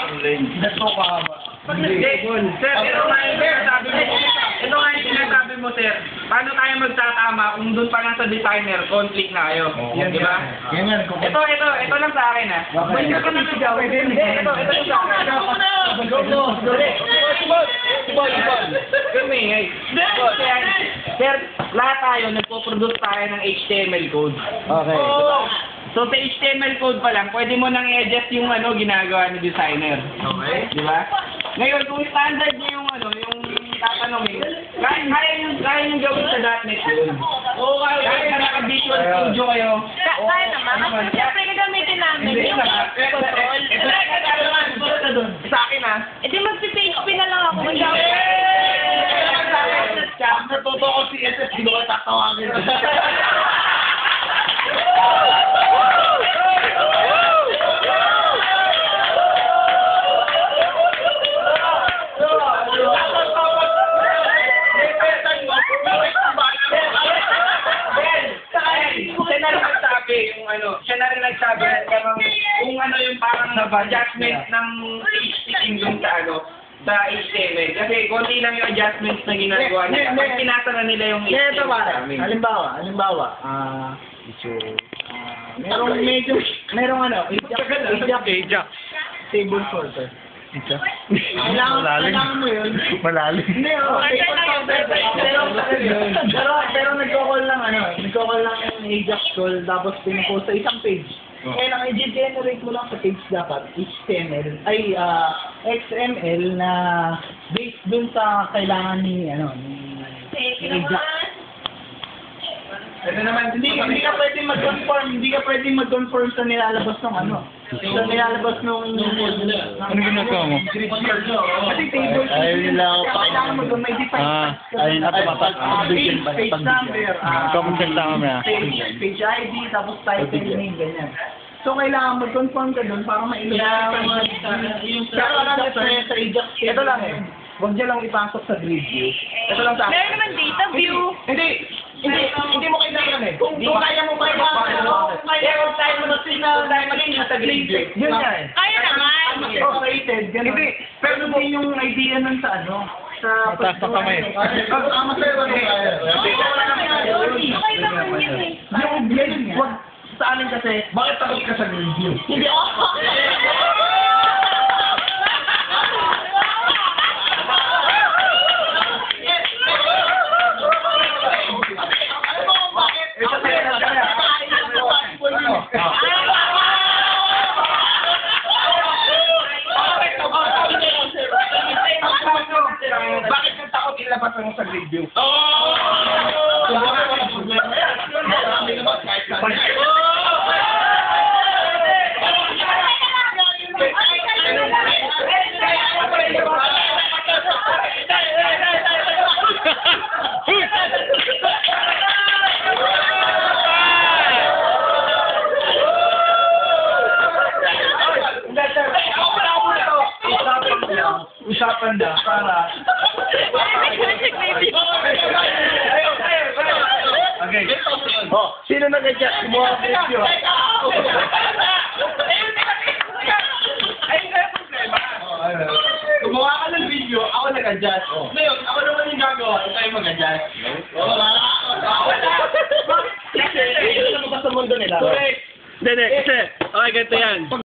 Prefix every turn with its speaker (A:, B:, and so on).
A: Ito ka ba?
B: Sir, ito nga yung sinasabi mo, sir. Paano tayo magtatama kung doon pa lang sa designer, conflict na kayo? Di ba? Ito lang sa akin, ha? Hindi ka nasigaw. Ito lang sa akin. Sir, lahat tayo, nagpo-produce tayo ng HTML code.
A: Okay.
B: So, sa HTML code pa lang, pwede mo nang i-adjust yung ginagawa ni designer. Okay. Di ba? Ngayon, kung standard niya yung tatanungin, kaya yung gawin sa .NET yun. Oo, kaya naka-Visual Studio kayo.
C: Kaya naman. Siyempre, gagamitin namin yung control.
B: Sa akin, ha?
C: E di magpipage na lang ako.
A: Natuto ko si SS, hindi ko tatawagin.
B: Siya na rin nagsabi na kung yung parang adjustment ng sticking dun sa HTML. Kasi konti lang yung adjustments na ginagawa niya. Pag pinasa na nila yung HTML.
A: Halimbawa, merong Ajax table sorter. Kailangan mo yun.
D: Malalim.
A: Hindi, pero nagko-call lang yung Ajax call tapos pinupost sa isang page. Kaya lang i-generate mo lang sa page dapat XML na based dun sa kailangan ni Ajax.
B: Ito naman,
A: Hindi ka pwedeng mag-conform sa nilalabas ng sa nilalabas nung
D: Ano ginagawa mo?
A: Kasi table
D: Ayun nila ako pa.
A: kailangan may define
D: Ayun na
A: page number,
D: Magkakonsulta kami
A: page ID, tapos title name, ganyan. So, kailangan mag-confirm ka doon para ma-illustrate pero lang sa Ajax. Ito lang huwag niya lang ipasok sa grid view. Ito lang sa akin.
C: Meron naman data view.
A: Hindi mo kailangan Kung kaya mo ba huwag tayo maging sa grid view. Yun yan.
C: Kaya naman.
A: Rated, ganun. Pero hindi yung idea nun sa sa
D: Mataas na kamay.
C: Okay naman yun eh.
A: Wag sa amin kasi, bakit takot ka sa grid view?
C: Hindi ako.
A: Bakit yung takot ilabas mo sa grid view? Usapan na para okay. Sino nag-adjust? Gumawa ng video. Gumawa ka ng video, ako nag-adjust. Ngayon, ako naman yung gagawa, ikaw yung mag-adjust. Kasi, ito na sa mundo nila.
B: Hindi, kasi, okay, ganito yan.